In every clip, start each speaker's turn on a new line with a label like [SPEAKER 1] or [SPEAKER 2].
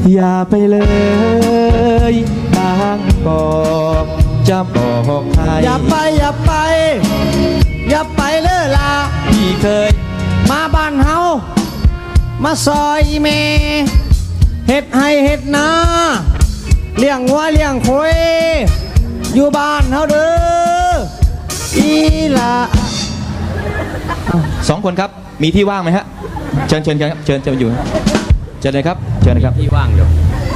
[SPEAKER 1] อย่าไปเลยบางกอกจะบอกใคร
[SPEAKER 2] อย่าไปอย่าไปอย่าไปเลยล่ะ
[SPEAKER 1] พี่เคย
[SPEAKER 2] มาบ้านเฮามาซอยเมเฮ็ดให้เฮ็ดนาเลี้ยงวัวเลี้ยงควายอยู่บ้านเฮาเด้ออีล่ะ
[SPEAKER 1] สองคนครับมีที่ว่างไหมฮะเชิญครับเชิญอยู่เชิญเลยครับเชิญเลยครับ
[SPEAKER 3] ที่ว่างอยู่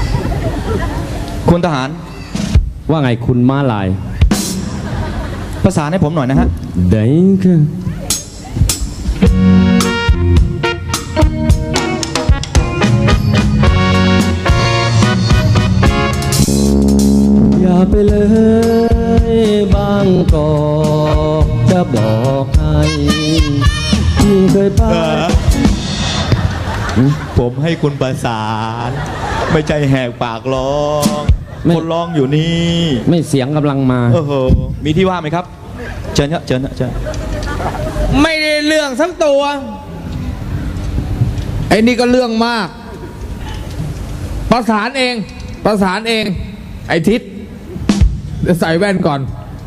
[SPEAKER 1] คุณทหาร
[SPEAKER 3] ว่าไงคุณม้าลาย
[SPEAKER 1] ประสานให้ผมหน่อยนะฮะ
[SPEAKER 3] ได้ค่ะอย่าไปเลยบางกอกจะบอกให้ที่เคยไป
[SPEAKER 1] ผมให้คุณประสานไม่ใจแหกปากร้องคนร้องอยู่นี่
[SPEAKER 3] ไม่เสียงกำลังมา
[SPEAKER 1] มีที่ว่างไหมครับเชิญครับเชิญ
[SPEAKER 2] ไม่ได้เรื่องทั้งตัวไอ้นี่ก็เรื่องมากประสานเองไอ้ทิศใส่แว่นก่อน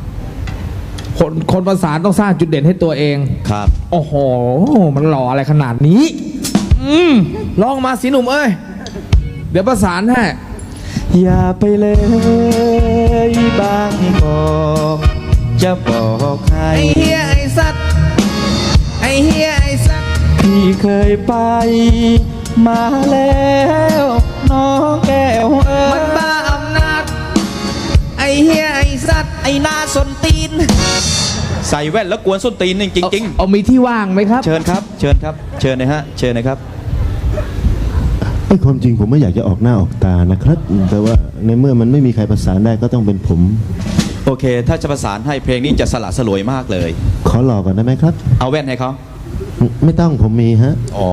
[SPEAKER 2] คนประสานต้องสร้างจุดเด่นให้ตัวเอง
[SPEAKER 1] ครับ
[SPEAKER 2] โอ้โหมันหล่ออะไรขนาดนี้ลองมาสิหนุ่มเอ้ยเดี๋ยวประสานให้
[SPEAKER 1] อย่าไปเลยบางกอกจะบอกใคร
[SPEAKER 2] ไอ้เฮียไอ้สัตว์
[SPEAKER 1] พี่เคยไปมาแล้วน้องแก้ว
[SPEAKER 2] มันบ้าอำนาจไอ้เฮียไอ้สัตว์ไอ้หน้าส้นตีน
[SPEAKER 1] ใส่แว่นแล้วกวนส้นตีนจริง
[SPEAKER 2] เอามีที่ว่างไหมครับ
[SPEAKER 1] เชิญครับเชิญนะฮะเชิญนะครับ
[SPEAKER 4] ไอ้ความจริงผมไม่อยากจะออกหน้าออกตานะครับแต่ว่าในเมื่อมันไม่มีใครประสานได้ก็ต้องเป็นผม
[SPEAKER 1] โอเคถ้าจะประสานให้เพลงนี้จะสละสลวยมากเลย
[SPEAKER 4] ขอหลอกก่อนได้ไหมครับ
[SPEAKER 1] เอาแว่นให้เขา
[SPEAKER 4] ไม่ต้องผมมีฮะ
[SPEAKER 1] อ๋อ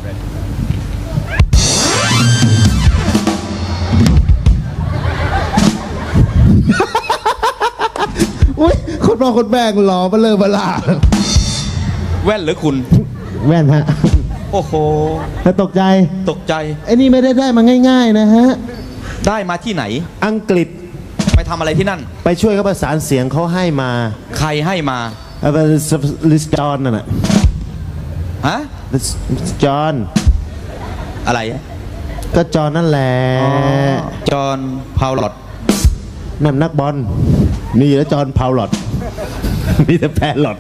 [SPEAKER 4] อุ้ยคนรอคนแบกหล่อมาเลยมาล่า
[SPEAKER 1] แว่นหรือคุณ
[SPEAKER 4] แว่นฮะ
[SPEAKER 1] โอ้โห
[SPEAKER 4] แล้วตกใจไอ้นี่ไม่ได้มาง่ายๆนะฮะ
[SPEAKER 1] ได้มาที่ไหน
[SPEAKER 4] อังกฤษ
[SPEAKER 1] ไปทำอะไรที่นั่น
[SPEAKER 4] ไปช่วยเขาประสานเสียงเขาให้มา
[SPEAKER 1] ใครให้มา
[SPEAKER 4] ลิสจอนน่ะ
[SPEAKER 1] ฮะ
[SPEAKER 4] จอน
[SPEAKER 1] อะไร
[SPEAKER 4] ก็จอนนั่นแหละ
[SPEAKER 1] จอนพาวลอต
[SPEAKER 4] นั่นนักบอลนี่แล้วจอนพาวลอตมีแต่แพลลอต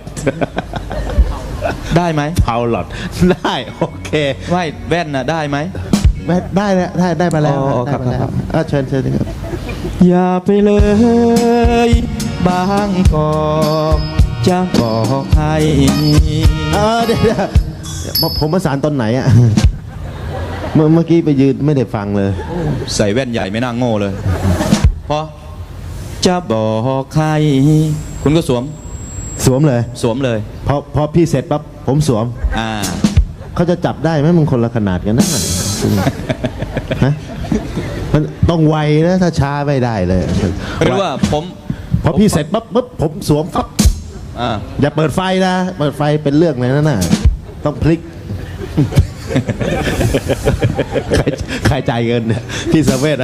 [SPEAKER 1] ได้ไหม
[SPEAKER 4] พาวลอตได้โอเค
[SPEAKER 1] ไม่แว่นน่ะได้ไหม
[SPEAKER 4] ได้แล้วได้มาแล้ว
[SPEAKER 1] ครับ
[SPEAKER 4] เชิญครับ
[SPEAKER 1] อย่าไปเลยบางกอกจะบอกใคร
[SPEAKER 4] เดี๋ยวผมประสานตอนไหนอ่ะเมื่อกี้ไปยืนไม่ได้ฟังเลย
[SPEAKER 1] ใส่แว่นใหญ่ไม่น่าโง่เลยพอจะบอกใครคุณก็สวมเลย
[SPEAKER 4] พอพี่เสร็จปั๊บผมสวมเขาจะจับได้ไหมมึงคนละขนาดกันนะฮะมันต้องไวนะถ้าช้าไม่ได้เลย
[SPEAKER 1] ไม่รู้ว่า
[SPEAKER 4] พอพี่เสร็จปั๊บผมสวมปั๊บอย่าเปิดไฟนะเปิดไฟเป็นเรื่องเลยนะน่ะต้องพลิกใครจ่ายเงินพี่เซเว่น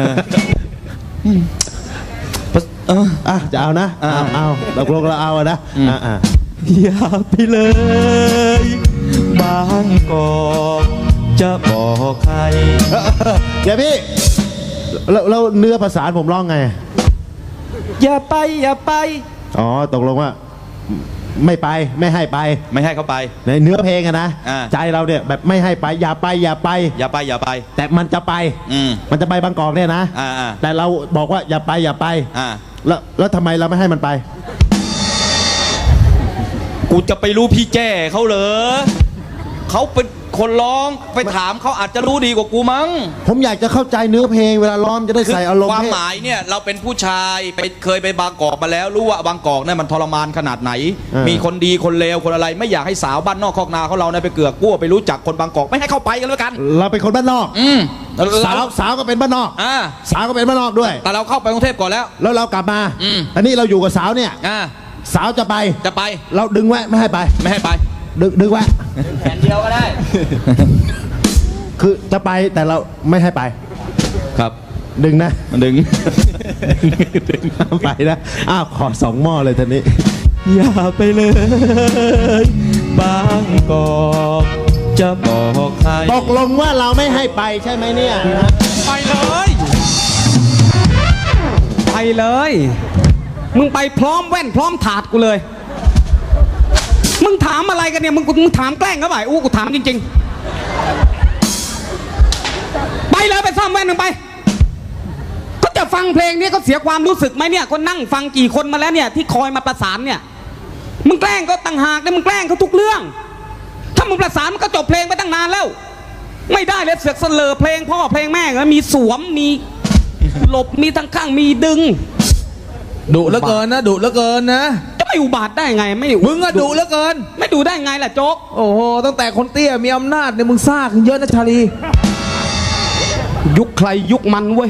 [SPEAKER 4] จะเอานะเอาตกลงเราเอานะ
[SPEAKER 1] อย่าไปเลยบางกอกจะบอกใคร
[SPEAKER 4] เดี๋ยวพี่เราเนื้อภาษาผมร้องไง
[SPEAKER 1] อย่าไป
[SPEAKER 4] อ๋อตกลงว่าไม่ไปไม่ให้
[SPEAKER 1] เขาไป
[SPEAKER 4] ในเนื้อเพลงอะนะใจเราเนี่ยแบบไม่ให้ไปอย่าไปแต่มันจะไปมันจะไปบางกอกเนี่ยนะแต่เราบอกว่าอย่าไปแล้วทำไมเราไม่ให้มันไป
[SPEAKER 1] กูจะไปรู้พี่แจ้เขาเหรอเขาเป็นคนร้องไปถามเขาอาจจะรู้ดีกว่ากูมั้ง
[SPEAKER 4] ผมอยากจะเข้าใจเนื้อเพลงเวลาร้องจะได้ใส่อารมณ์
[SPEAKER 1] ความหมายเนี่ยเราเป็นผู้ชายเคยไปบางกอกมาแล้วรู้ว่าบางกอกเนี่ยมันทรมานขนาดไหนมีคนดีคนเลวคนอะไรไม่อยากให้สาวบ้านนอกคอกนาเขาเราเนี่ยไปเกือกกลัวไปรู้จักคนบางกอกไม่ให้เข้าไปกันแล้วกัน
[SPEAKER 4] เราเป็นคนบ้านนอกสาวก็เป็นบ้านนอกสาวก็เป็นบ้านนอกด้วย
[SPEAKER 1] แต่เราเข้าไปกรุงเทพก่อนแล้ว
[SPEAKER 4] เรากลับมาอันนี้เราอยู่กับสาวเนี่ยสาวจะไปเราดึงไว้ไม่ให้ไปดึงไว้
[SPEAKER 1] แผ่นเดียวก็ได้
[SPEAKER 4] คือจะไปแต่เราไม่ให้ไป
[SPEAKER 1] ครับ
[SPEAKER 4] ดึงนะ
[SPEAKER 1] มันดึง
[SPEAKER 4] ดึงน้ำไปนะอ้าวขอ2 หม้อเลยทีนี้
[SPEAKER 1] อย่าไปเลยบางกอกจะบอกใคร
[SPEAKER 4] ตกลงว่าเราไม่ให้ไปใช่ไหมเนี่ย
[SPEAKER 1] ไปเลย
[SPEAKER 2] ไปเลย มึงไปพร้อมแว่นพร้อมถาดกูเลย มึงถามอะไรกันเนี่ยมึงถามแกล้งเขาเปล่ากูถามจริงๆไปเลยไปซ่อมแว่นมึงไปก็จะฟังเพลงนี้ก็เสียความรู้สึกไหมเนี่ยก็นั่งฟังกี่คนมาแล้วเนี่ยที่คอยมาประสานเนี่ยมึงแกล้งก็ต่างหากเนี่ยมึงแกล้งเขาทุกเรื่องถ้ามึงประสานมันก็จบเพลงไปตั้งนานแล้วไม่ได้เลยเสือกเสลอเพลงพ่อเพลงแม่ก็มีสวมมีหลบมีทั้งข้างมีดึง
[SPEAKER 5] ดุเหลือเกินนะดุเหลือเกินนะ
[SPEAKER 2] จะไม่อุบาทได้ไงไม่
[SPEAKER 5] มึงอะดุเหลือเกิน
[SPEAKER 2] ไม่ดูได้ไงล่ะโจ๊ก
[SPEAKER 5] โอ้โหตั้งแต่คนเตี้ยมีอำนาจเนี่ยมึงซ่าขึ้นเยอะนะชาลี
[SPEAKER 2] ยุคใครยุคมันเว้ย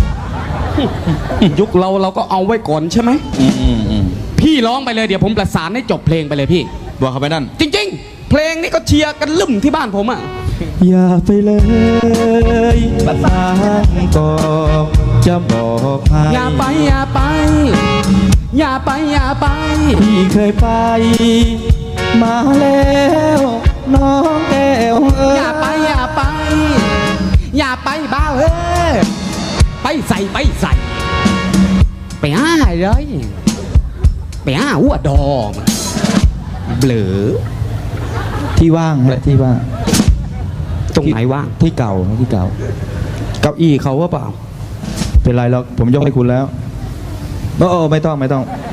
[SPEAKER 2] ยุคเราก็เอาไว้ก่อนใช่ไหมพี่ร้องไปเลยเดี๋ยวผมประสานให้จบเพลงไปเลยพี่
[SPEAKER 1] บอกเขาไปนั่น
[SPEAKER 2] จริงๆ เพลงนี้ก็เชียร์กันลืมที่บ้านผมอ่ะ
[SPEAKER 1] อย่าไปเลยบางกอกจะบอกใคร
[SPEAKER 2] อย่าไปอย่าไป อย่าไปอย่าไป
[SPEAKER 1] พี่เคยไป มาแล้วน้องแก้วเอ้ย
[SPEAKER 2] อย่าไปอย่าไป อย่าไปบ้าเฮ้ยไปใส่ไปใส่ไปอ้าเลยไปอ้าหัวดอมเบลอ
[SPEAKER 1] ที่ว่างแหละที่ว่าง
[SPEAKER 2] ตรงไหนว่าง
[SPEAKER 1] ที่เก่าที่เก่าเก้าอี้เขาว่าเปล่า เป็นไรหรอกผมยกให้คุณแล้วไม่ต้อง